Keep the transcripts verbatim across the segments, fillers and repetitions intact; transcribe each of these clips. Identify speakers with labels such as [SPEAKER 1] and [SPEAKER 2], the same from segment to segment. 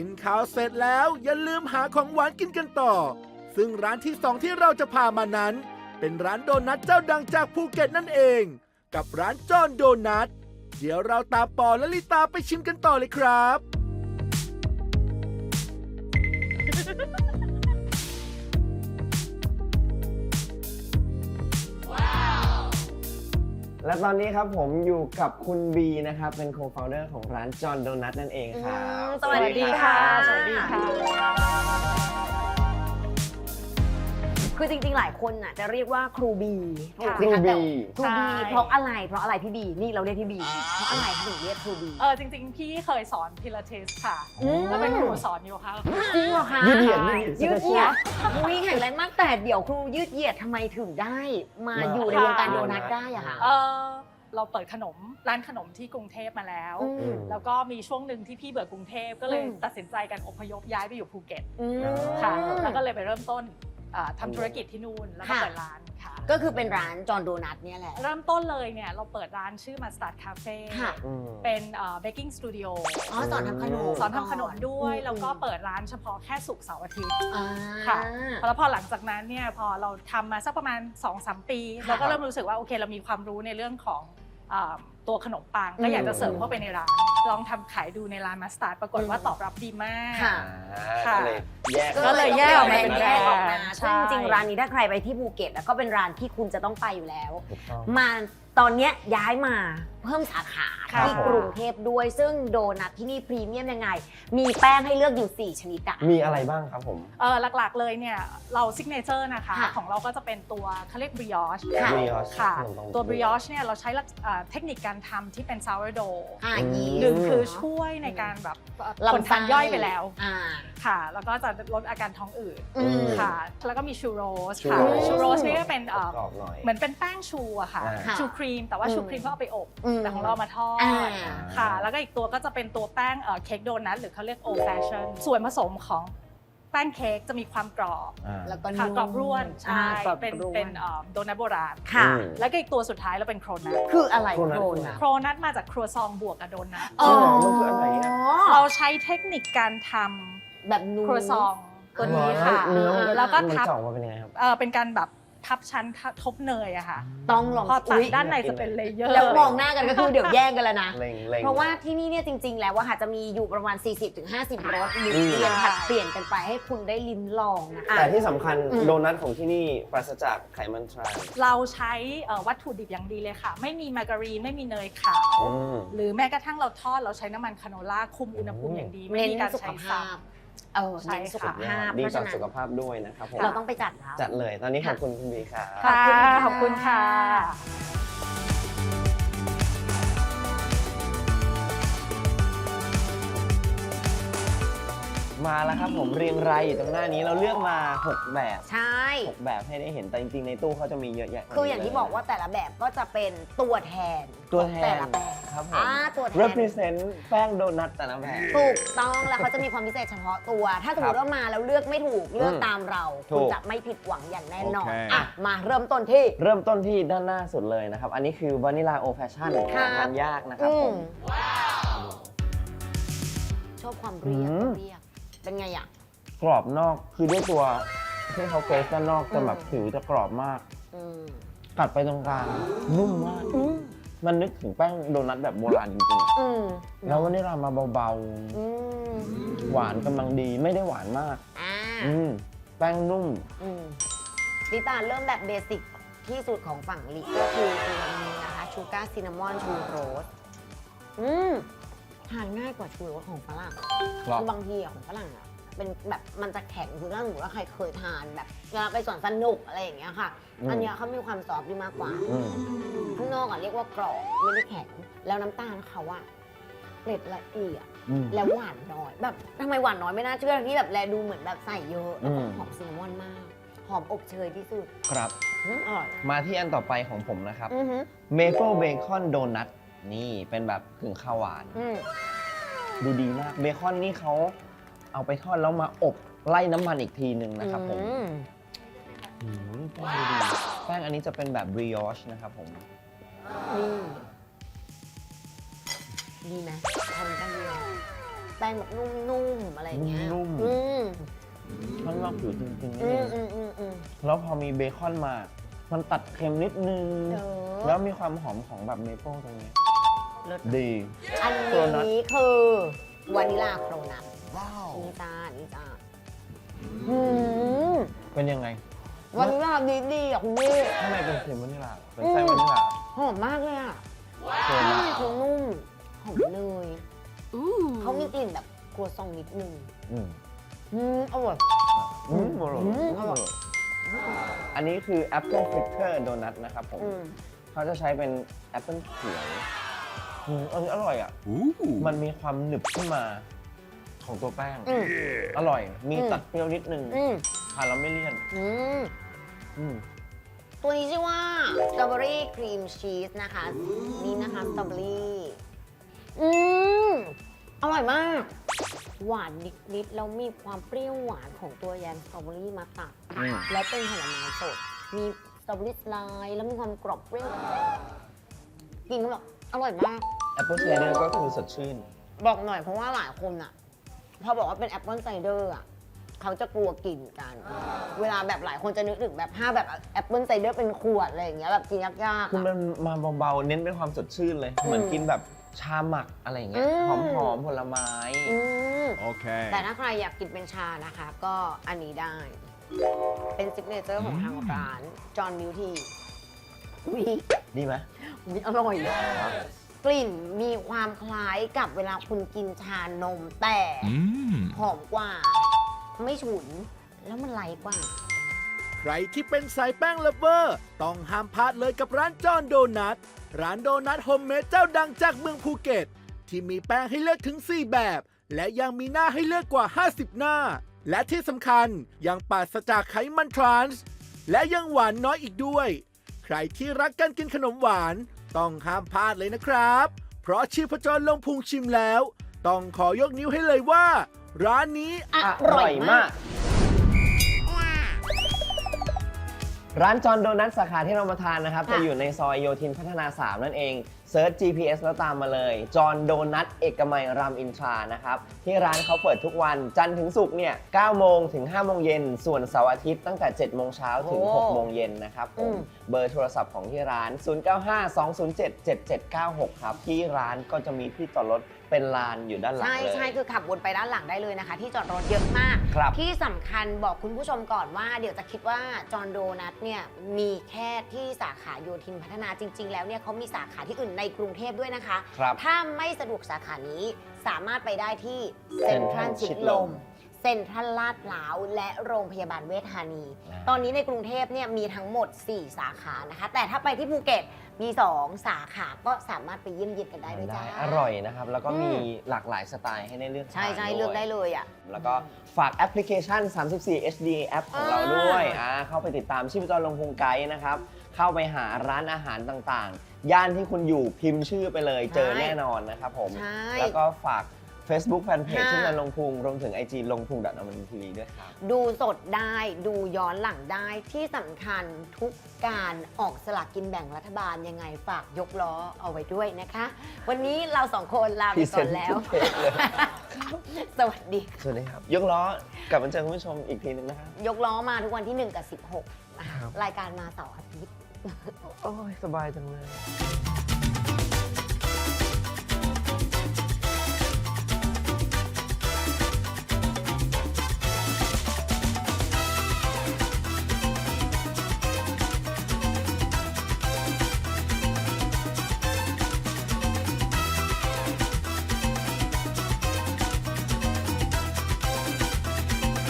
[SPEAKER 1] กินข้าวเสร็จแล้วอย่าลืมหาของหวานกินกันต่อ ซึ่งร้านที่สองที่เราจะพามานั้น เป็นร้านโดนัทเจ้าดังจากภูเก็ตนั่นเอง กับร้านจอนโดนัทเดี๋ยวเราตามปอและลิตาไปชิมกันต่อเลยครับ
[SPEAKER 2] และตอนนี้ครับผมอยู่กับคุณบีนะครับเป็นโคฟาวเดอร์ของร้านจอนโดนัทนั่นเองครับ
[SPEAKER 3] สวัสดีค่ะสวัสดีค่ะคือจริงๆหลายคนน่ะจะเรียกว่าครูบีถูกไหมคะแต่ครูบีเพราะอะไรเพราะอะไรพี่บีนี่เราเรียกพี่บีเพราะอะไรถึงเรียกครูบี
[SPEAKER 4] เออจริงๆพี่เคยสอนพิลาทิสค่ะแล้วเป็นครูสอนโยคะ
[SPEAKER 3] จริงเหรอคะ
[SPEAKER 2] ยืดเหยียด
[SPEAKER 3] ยืดเหยียดมุ้ยแข็งแรงมากแต่เดี๋ยวครูยืดเหยียดทำไมถึงได้มาอยู่ในวงการโดนัทได้อะคะ
[SPEAKER 4] เออเราเปิดขนมร้านขนมที่กรุงเทพมาแล้ว
[SPEAKER 3] อืม
[SPEAKER 4] แล้วก็มีช่วงหนึ่งที่พี่เบื่อกรุงเทพก็เลย
[SPEAKER 3] อืม
[SPEAKER 4] ตัดสินใจกันอพยพย้ายไปอยู่ภูเก็ต
[SPEAKER 3] อืม
[SPEAKER 4] ค่ะแล้วก็เลยไปเริ่มต้นอ่าทำธุรกิจที่นู่นแล้วก็
[SPEAKER 3] ค่ะ
[SPEAKER 4] เปิดร้านค่ะ
[SPEAKER 3] ก็คือเป็นร้านจอนโดนัทเนี่ยแหละ
[SPEAKER 4] เริ่มต้นเลยเนี่ยเราเปิดร้านชื่อมาสตาร์ดคาเฟ่
[SPEAKER 3] ค่ะ
[SPEAKER 2] อืม
[SPEAKER 4] เป็นเบกกิ้งสตูดิโอ
[SPEAKER 3] อ๋อสอนทำขนม
[SPEAKER 4] สอนทำขนมด้วย
[SPEAKER 3] อืม
[SPEAKER 4] แล้วก็เปิดร้านเฉพาะแค่ศุกร์เสาร์อาทิตย์
[SPEAKER 3] อ่า
[SPEAKER 4] ค่ะ แล้วพอหลังจากนั้นเนี่ยพอเราทำมาสักประมาณ สองสาม ปี
[SPEAKER 3] ค่ะ
[SPEAKER 4] เราก็เริ่มรู้สึกว่าโอเคเรามีความรู้ในเรื่องของอ่าตัวขนมปังก็อยากจะเสริมเข้าไปในร้านลองทำขายดูในร้านมาสตาร์ดปรากฏว่าตอบรับดีมาก
[SPEAKER 3] ค่ะ
[SPEAKER 4] ค่ะ
[SPEAKER 2] ก็เลยแยก
[SPEAKER 4] ก็เลยแยกออกมาเป็นแบรนด์
[SPEAKER 3] แยกออกมา
[SPEAKER 4] ใช่
[SPEAKER 3] ซึ่งจริงๆร้านนี้ถ้าใครไปที่ภูเก็ตแล้วก็เป็นร้านที่คุณจะต้องไปอยู่แล้ว
[SPEAKER 2] ถูกต้อง
[SPEAKER 3] มาตอนเนี้ยย้ายมาเพิ่มสาขา
[SPEAKER 4] ค่ะ
[SPEAKER 3] ที่กรุงเทพด้วย ซึ่งโดนัทที่นี่พรีเมียมยังไง มีแป้งให้เลือกอยู่ สี่ ชนิดอะ
[SPEAKER 2] มีอะไรบ้างครับผม
[SPEAKER 4] เออหลักๆเลยเนี่ยเราซิกเนเจอร์นะคะ
[SPEAKER 3] ค่ะ
[SPEAKER 4] ของเราก็จะเป็นตัวเขาเรียกบริออช
[SPEAKER 3] ค่ะ
[SPEAKER 2] brioche
[SPEAKER 4] ค่ะ
[SPEAKER 2] ขนมปัง
[SPEAKER 4] ตัวบริออชเนี่ยเราใช้ลักษอ่าเทคนิคการทำที่เป็นซาวร์โด
[SPEAKER 3] อ่ายีสต์
[SPEAKER 4] หนึ่งคือ
[SPEAKER 3] เนอะ
[SPEAKER 4] ช่วยในการแบบ
[SPEAKER 3] ลำไส้
[SPEAKER 4] คนทานย่อยไปแล้ว
[SPEAKER 3] อ่า
[SPEAKER 4] ค่ะ แล้วก็จะลดอาการท้องอืด
[SPEAKER 3] อืม
[SPEAKER 4] ค่ะ แล้วก็มีชูโรสค่ะ
[SPEAKER 2] ชูโรส
[SPEAKER 4] ชูโรสนี่ก็เป็นเอ่อก
[SPEAKER 2] รอบๆหน่อย
[SPEAKER 4] เหมือนเป็นแป้งชูอะค่ะ
[SPEAKER 2] อ่า
[SPEAKER 3] ค่ะ
[SPEAKER 4] ชูครีม แต่ว่า
[SPEAKER 3] อืม
[SPEAKER 4] ชูครีมก็เอาไปอบ
[SPEAKER 3] อืม
[SPEAKER 4] แต่ของเรามาทอด
[SPEAKER 3] อ่า
[SPEAKER 4] ค่ะ แล้วก็อีกตัวก็จะเป็นตัวแป้งเอ่อเค้กโดนัทหรือเขาเรียกโอ แฟชั่น ส่วนผสมของแป้งเค้กจะมีความกรอบ
[SPEAKER 2] อ่า
[SPEAKER 3] แล้วก็
[SPEAKER 4] ค่ะ
[SPEAKER 3] นุ่ม
[SPEAKER 4] กรอบร่วน ใช่
[SPEAKER 3] อ่ากรอบ
[SPEAKER 4] เป็น
[SPEAKER 3] ร่วน
[SPEAKER 4] เป็นเอ่อโดนัทโบราณ
[SPEAKER 3] ค่ะ
[SPEAKER 2] อืม
[SPEAKER 4] แล้วก็อีกตัวสุดท้ายเราเป็นโครนัท
[SPEAKER 3] คืออะไร
[SPEAKER 2] โครนัท
[SPEAKER 3] โครนัท
[SPEAKER 4] โครนัทมาจากครัวซองบวกกับโดนัท
[SPEAKER 3] อ๋อ
[SPEAKER 2] มันคืออะไรอะ
[SPEAKER 4] เราใช้เทคนิคการท
[SPEAKER 3] แบบนู
[SPEAKER 4] ำครัวซองตัวนี้ค่ะ
[SPEAKER 2] เนื้อมัน
[SPEAKER 4] แล้วก็
[SPEAKER 2] มัน
[SPEAKER 4] ทับ
[SPEAKER 2] จะออกมาเป็นยังไงครับ
[SPEAKER 4] เออเป็นการแบบทับชั้นทบเนยอะค่ะ
[SPEAKER 3] ต้องลอง
[SPEAKER 4] พอตัด
[SPEAKER 3] อุ๊ย
[SPEAKER 4] ด้านในจะเป็นเลเยอร์
[SPEAKER 3] แล้วมองหน้ากันก็คือเดี๋ยวแย่งกันแล้วนะ
[SPEAKER 2] เล็งเล็ง
[SPEAKER 3] เพราะว่าที่นี่เนี่ยจริง ๆ แล้วว่าค่ะจะมีอยู่ประมาณ สี่สิบถึงห้าสิบ รสหมุน
[SPEAKER 2] อืม
[SPEAKER 3] เวียนผัดเปลี่ยนกันไปให้คุณได้ลิ้มลองนะคะ
[SPEAKER 2] แต่ที่สำคัญ
[SPEAKER 3] อืม
[SPEAKER 2] โดนัทของที่นี่ปราศจากไขมันทราน
[SPEAKER 4] เราใช้เอ่อวัตถุดิบอย่างดีเลยค่ะ ไม่มีมาการีนไม่มีเนยขาว
[SPEAKER 2] อืม
[SPEAKER 4] หรือแม้กระทั่งเราทอดเราใช้น้ำมันคาโนล่าคุมอุณหภูมิอย่างดี ไม่
[SPEAKER 3] เน้น
[SPEAKER 4] มีการ
[SPEAKER 3] สุข
[SPEAKER 4] ใช้
[SPEAKER 3] ภา
[SPEAKER 4] ซ้
[SPEAKER 3] พ เออ
[SPEAKER 4] ใช่
[SPEAKER 3] เน้นสุข
[SPEAKER 4] ค่ะ
[SPEAKER 3] ภาพ
[SPEAKER 2] ดี
[SPEAKER 3] เพราะ
[SPEAKER 2] ต่
[SPEAKER 3] ฉะ
[SPEAKER 2] อ
[SPEAKER 3] นั้น
[SPEAKER 2] สุขภาพด้วยนะครับผม
[SPEAKER 3] เราต้องไปจัดแล้ว
[SPEAKER 2] จัดเลย ตอนนี้ขอบคุณคุณบีครับ
[SPEAKER 4] ำค่ะขอบคุณค่ะ
[SPEAKER 2] มาแล้วครับผมเรียงรายอยู่ตรงหน้านี้เราเลือกมาหกแบบ
[SPEAKER 3] ใช่
[SPEAKER 2] หกแบบให้ได้เห็นแต่จริงๆในตู้เขาจะมีเยอะแยะ
[SPEAKER 3] คืออย่างที่บอกว่าแต่ละแบบก็จะเป็นตัวแทน
[SPEAKER 2] ตัวแท
[SPEAKER 3] แต่
[SPEAKER 2] น
[SPEAKER 3] ละแบบ
[SPEAKER 2] ครับผม
[SPEAKER 3] อ่าตัวแทน
[SPEAKER 2] represent แป้งโดนัทแต่ละแบบ
[SPEAKER 3] ถูกต้องแล้วเขาจะมีความพิเศษเฉพาะตัว ถ้าสมมติว่ามาแล้วเลือกไม่ถูกเลือก
[SPEAKER 2] อืม
[SPEAKER 3] ตามเรา
[SPEAKER 2] ถูก
[SPEAKER 3] คุณจะไม่ผิดหวังอย่างแน่นอน
[SPEAKER 1] โอเค
[SPEAKER 3] อ่ะมาเริ่มต้นที่
[SPEAKER 2] เริ่มต้นที่ด้านหน้าสุดเลยนะครับ อันนี้คือวานิลาโอแฟชั่น
[SPEAKER 3] ครับ
[SPEAKER 2] ทานยากนะครับ
[SPEAKER 3] อื
[SPEAKER 2] ผม ม
[SPEAKER 3] ชอบความเรียบ
[SPEAKER 2] อืม
[SPEAKER 3] เรียบเป็นไงอ่ะ
[SPEAKER 2] กรอบนอกคือด้วยตัวที่เขาเกรสด้านนอกจะแบบ
[SPEAKER 3] อืม
[SPEAKER 2] ผิวจะกรอบมาก
[SPEAKER 3] อืม
[SPEAKER 2] กัดไปตรงกลางนุ่มมาก
[SPEAKER 3] อืม
[SPEAKER 2] มันนึกถึงแป้งโดนัทแบบโบราณจริง
[SPEAKER 3] อืม
[SPEAKER 2] ๆแล้ววานิลามาเบา
[SPEAKER 3] อืม
[SPEAKER 2] ๆ หวานกำลังดีไม่ได้หวานมาก
[SPEAKER 3] อ่า
[SPEAKER 2] อืมแป้งนุ่ม
[SPEAKER 3] อืมลิตาเริ่มแบบเบสิกที่สุดของฝั่งลิก็คือตัวนี้นะคะชูการ์ซินนามอนชูโรสอืมทานง่ายกว่าชูโรสของฝรั่ง
[SPEAKER 2] ครับ
[SPEAKER 3] คือบางทีอะของฝรั่งอะเป็นแบบมันจะแข็งคือถ้าสมมติว่าใครเคยทานแบบเวลาไปสวนสนุกอะไรอย่างเงี้ยค่ะ
[SPEAKER 2] อืม
[SPEAKER 3] อันเนี้ยเขามีความซอฟต์ดีมากกว่า
[SPEAKER 2] อืม
[SPEAKER 3] ข้างนอกอะเรียกว่ากรอบไม่ได้แข็งแล้วน้ำตาลเขาอะเกล็ดละเอียด
[SPEAKER 2] อืม
[SPEAKER 3] แล้วหวานน้อยแบบทำไมหวานน้อยไม่น่าเชื่อที่แบบแลดูเหมือนแบบใส่เยอะแล้วก็
[SPEAKER 2] อืม
[SPEAKER 3] หอมซินนามอนมาก หอมอบเชยที่สุด
[SPEAKER 2] ครับ
[SPEAKER 3] อืมอร่อย
[SPEAKER 2] มาที่อันต่อไปของผมนะครับ
[SPEAKER 3] อือหือ
[SPEAKER 2] เมเปิลเบคอนโดนัทนี่เป็นแบบกึ่งข้าวหวาน
[SPEAKER 3] อืม
[SPEAKER 2] ดูดีมากเบคอนนี่เขาเอาไปทอดแล้วมาอบไล่น้ำมันอีกทีหนึ่งนะครับผม
[SPEAKER 3] อืม
[SPEAKER 2] อืมแป้งดูดีแป้งอันนี้จะเป็นแบบบริออชนะครับผม
[SPEAKER 3] นี่ดีไหมทำกันดีไหมแป้งแบบนุ่มๆอะไรอย่างเงี้ย
[SPEAKER 2] นุ่มๆ
[SPEAKER 3] อืม
[SPEAKER 2] ข้างนอกผิวจริงๆ
[SPEAKER 3] อื
[SPEAKER 2] นี่
[SPEAKER 3] มอืมอืมอืม
[SPEAKER 2] แล้วพอมีเบคอนมา มันตัดเค็มนิดนึง
[SPEAKER 3] เออ
[SPEAKER 2] แล้วมีความหอมของแบบเมเปิลตรงนี้
[SPEAKER 3] เลิศ
[SPEAKER 2] ดี
[SPEAKER 3] อัน
[SPEAKER 2] โครนัท
[SPEAKER 3] นี้คือวานิลาโครนัทนี่จ้านี่จ้าหืม
[SPEAKER 2] เป็นยังไง
[SPEAKER 3] วานิลาดีดีๆอ่ะคุณพี่
[SPEAKER 2] ข้างในเป็นครีมวานิลาเป็นไส้วานิลา
[SPEAKER 3] หอมมากเลยอ่ะ
[SPEAKER 2] โคร
[SPEAKER 3] ข้าง
[SPEAKER 2] นั
[SPEAKER 3] ใน
[SPEAKER 2] ท
[SPEAKER 3] คือนุ่มหอมเนยเขามีกลิ่นแบบครัวซองนิดนึง
[SPEAKER 2] อืม
[SPEAKER 3] อืมอร่อย
[SPEAKER 2] อืมอร่อย
[SPEAKER 3] อืมอร่อย
[SPEAKER 2] อันนี้คือ Apple Fritter Donut นะครับผม
[SPEAKER 3] อืม
[SPEAKER 2] เขาจะใช้เป็นแอปเปิลเขียวอืมอันนี้อร่อยอ่ะ มันมีความหนึบขึ้นมาของตัวแป้ง
[SPEAKER 3] อืม
[SPEAKER 2] อร่อย มี
[SPEAKER 3] อืม
[SPEAKER 2] ตัดเปรี้ยวนิดนึง
[SPEAKER 3] อืม
[SPEAKER 2] ทานแล้วไม่เลี่ยน
[SPEAKER 3] อืม
[SPEAKER 2] อืม
[SPEAKER 3] ตัวนี้ชื่อว่าสตรอเบอรี่ครีมชีสนะคะ นี่นะคะสตรอเบอรี่อืมอร่อยมาก หวานนิดๆแล้วมีความเปรี้ยวหวานของตัวแยมสตรอเบอรี่มาตัด
[SPEAKER 2] อืม
[SPEAKER 3] แล้วเป็นผลไม้สด มีสตรอเบอรี่สไลด์แล้วมีความกรอบเปรี้ยวกินก็แบบอร่อยมาก
[SPEAKER 2] แอปเปิลไซเดอร์ก็คือสดชื่น
[SPEAKER 3] บอกหน่อยเพราะว่าหลายคนอะพอบอกว่าเป็นแอปเปิลไซเดอร์อะเขาจะกลัวกินกัน เวลาแบบหลายคนจะนึกถึงแบบห้าแบบแอปเปิลไซเดอร์เป็นขวดอะไรอย่างเงี้ยแบบกินยากๆ
[SPEAKER 2] คือ
[SPEAKER 3] อะ
[SPEAKER 2] มันมาเบาๆ เน้นเป็นความสดชื่นเลย
[SPEAKER 3] อืม
[SPEAKER 2] เหมือนกินแบบชาหมักอะไรอย่างเงี้ย
[SPEAKER 3] อื
[SPEAKER 2] ห
[SPEAKER 3] ม
[SPEAKER 2] อมๆ ผลไม้
[SPEAKER 3] อืม
[SPEAKER 1] Okay.
[SPEAKER 3] แต่ถ้าใครอยากกินเป็นชานะคะ ก็อันนี้ได้ เป็นซิกเนเจอร์ของทางร้านจอห์นมิวทีวิ
[SPEAKER 2] ดีไหม
[SPEAKER 3] วิอร่อยกลิ่นมีความคล้ายกับเวลาคุณกินชานม แต่หอมกว่า ไม่ฉุน แล้วมันไลท์กว่า
[SPEAKER 1] ใครที่เป็นสายแป้งเลฟเวอร์ ต้องห้ามพลาดเลยกับร้านจอห์นโดนัท ร้านโดนัทโฮมเมดเจ้าดังจากเมืองภูเก็ต ที่มีแป้งให้เลือกถึง สี่ แบบ และยังมีหน้าให้เลือกกว่า ห้าสิบ หน้า และที่สำคัญยังปราศจากไขมันทรานส์ และยังหวานน้อยอีกด้วย ใครที่รักการกินขนมหวาน ต้องห้ามพลาดเลยนะครับ เพราะชีพจรลงพุงชิมแล้ว ต้องขอยกนิ้วให้เลยว่า ร้านนี้
[SPEAKER 3] อ
[SPEAKER 2] อ
[SPEAKER 3] ร่
[SPEAKER 2] ร่
[SPEAKER 3] อ
[SPEAKER 2] อย ย
[SPEAKER 3] มาม
[SPEAKER 2] าก ก ร้านจอห์นโดนัทสาขาที่เรามาทานนะครับ
[SPEAKER 3] ค่ะ
[SPEAKER 2] จะอยู่ในซอยโยธินพัฒนา สาม นั่นเองเซิร์ช จี พี เอส แล้วตามมาเลยจอห์นโดนัทเอกมัยรามอินทรานะครับ ที่ร้านเขาเปิดทุกวันจันทร์ถึงศุกร์เนี่ยเก้าโมงถึงห้าโมงเย็นส่วนเสาร์อาทิตย์ตั้งแต่เจ็ดโมงเช้าถึง
[SPEAKER 3] โอ้
[SPEAKER 2] หกโมงเย็นนะครับผ
[SPEAKER 3] อื
[SPEAKER 2] ม
[SPEAKER 3] ม
[SPEAKER 2] เบอร์โทรศัพท์ของที่ร้าน ศูนย์ เก้า ห้า สอง ศูนย์ เจ็ด เจ็ด เจ็ด เก้า หก ครับ ที่ร้านก็จะมีที่จอดรถเป็นลานอยู่ด้านหลัง
[SPEAKER 3] ใช่
[SPEAKER 2] เลย
[SPEAKER 3] ใช่คือขับวนไปด้านหลังได้เลยนะคะ ที่จอดรถเยอะมาก
[SPEAKER 2] ครับ
[SPEAKER 3] ที่สำคัญบอกคุณผู้ชมก่อนว่า เดี๋ยวจะคิดว่าจอห์นโดนัทเนี่ยมีแค่ที่สาขาโยธินพัฒนาจริง ๆ แล้วเนี่ยเขามีสาขาที่อื่นในกรุงเทพด้วยนะคะ
[SPEAKER 2] ครับ
[SPEAKER 3] ถ้าไม่สะดวกสาขานี้สามารถไปได้ที่เซ็นทรัล
[SPEAKER 2] Central
[SPEAKER 3] ชิด
[SPEAKER 2] ชิด
[SPEAKER 3] ล
[SPEAKER 2] ล
[SPEAKER 3] ม
[SPEAKER 2] ม
[SPEAKER 3] เซ็นทรัลลาดพร้าวและโรงพยาบาลเวชธานี
[SPEAKER 2] อ่า
[SPEAKER 3] ตอนนี้ในกรุงเทพเนี่ยมีทั้งหมด สี่ สาขานะคะ แต่ถ้าไปที่ภูเก็ตมี สอง สาขาก็สามารถไปเยี่ยมเยียนกันได้ด้วยจ้า
[SPEAKER 2] อร่อยนะครับ แล้วก็
[SPEAKER 3] อืม
[SPEAKER 2] มีหลากหลายสไตล์ให้ได้เลือก
[SPEAKER 3] ใช่ใช่
[SPEAKER 2] ทาน
[SPEAKER 3] เลือกได้
[SPEAKER 2] วย
[SPEAKER 3] เลยอ่ะ
[SPEAKER 2] แล้วก็ฝากแอปพลิเคชัน สามสิบสี่ เอช ดี แอปของเราด้วยอ่าเข้าไปติดตามชีพจรลงพุงไกด์นะครับ เข้าไปหาร้านอาหารต่างๆ ย่านที่คุณอยู่พิมพ์ชื่อไปเลย เจอแน่นอนนะครับผม
[SPEAKER 3] ใช่
[SPEAKER 2] แล้วก็ฝาก Facebook Fanpage
[SPEAKER 3] ค่ะ
[SPEAKER 2] ชื่อนันลงพุงรวมถึง ไอ จี ลงพุงดับอมรินทร์ทีวีด้วยครับ
[SPEAKER 3] ดูสดได้ดูย้อนหลังได้ที่สำคัญทุกการออกสลากกินแบ่งรัฐบาลยังไงฝากยกล้อเอาไว้ด้วยนะคะ วันนี้เราสองคนลาไปก่อนแล้ว
[SPEAKER 2] พรีเซนต์ทุกเพจเลย
[SPEAKER 3] สวัสดีค่ะ
[SPEAKER 2] สวัสดีครับ ยกล้อกลับมาเจอคุณผู้ชมอีกทีหนึงนะครับ
[SPEAKER 3] ยกล้อมาทุกวันที่หนึ่งกับสิบหกนะคะ
[SPEAKER 2] ครับ
[SPEAKER 3] รายการมาเสาร์อาทิตย์
[SPEAKER 2] โอ้ยสบายจังเลย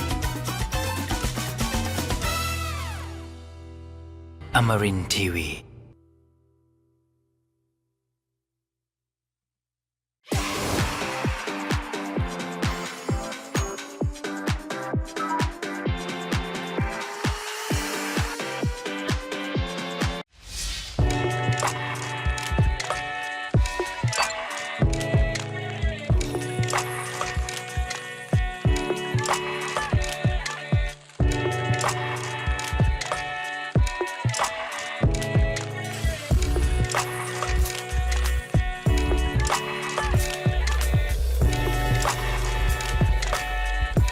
[SPEAKER 5] Amarin Tiwi.